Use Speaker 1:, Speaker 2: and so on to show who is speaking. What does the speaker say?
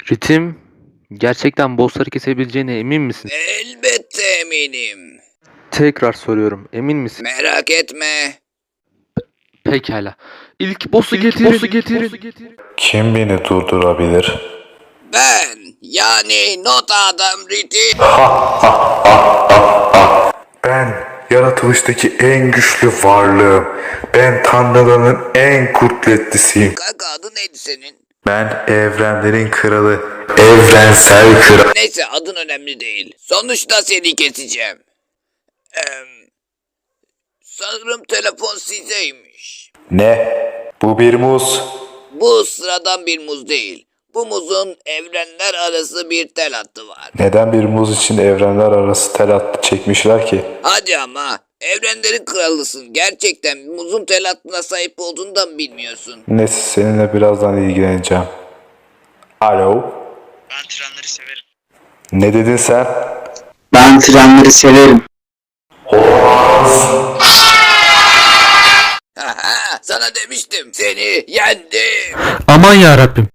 Speaker 1: Ritim, gerçekten bossları kesebileceğine emin misin?
Speaker 2: Elbette eminim.
Speaker 1: Tekrar soruyorum, emin misin?
Speaker 2: Merak etme.
Speaker 1: Pekala. İlk boss'u getirin.
Speaker 3: Kim beni durdurabilir?
Speaker 2: Ben yani not adam Riti.
Speaker 3: Ben yaratılıştaki en güçlü varlığım. Ben tanrıların en kudretlisiyim.
Speaker 2: Kanka adı neydi senin?
Speaker 3: Ben evrenlerin kralı, evrensel kral.
Speaker 2: Neyse adın önemli değil. Sonuçta seni keseceğim. Sanırım telefon sizeymiş.
Speaker 3: Ne? Bu bir muz.
Speaker 2: Bu sıradan bir muz değil. Bu muzun evrenler arası bir tel hattı var.
Speaker 3: Neden bir muz için evrenler arası tel hattı çekmişler ki?
Speaker 2: Hadi ama evrenlerin kralısın. Gerçekten muzun tel hattına sahip olduğunu da mı bilmiyorsun?
Speaker 3: Neyse seninle birazdan ilgileneceğim. Alo?
Speaker 4: Ben trenleri severim.
Speaker 3: Ne dedin sen?
Speaker 5: Ben trenleri severim.
Speaker 2: Haha, sana demiştim. Seni yendim.
Speaker 1: Aman ya Rabbim.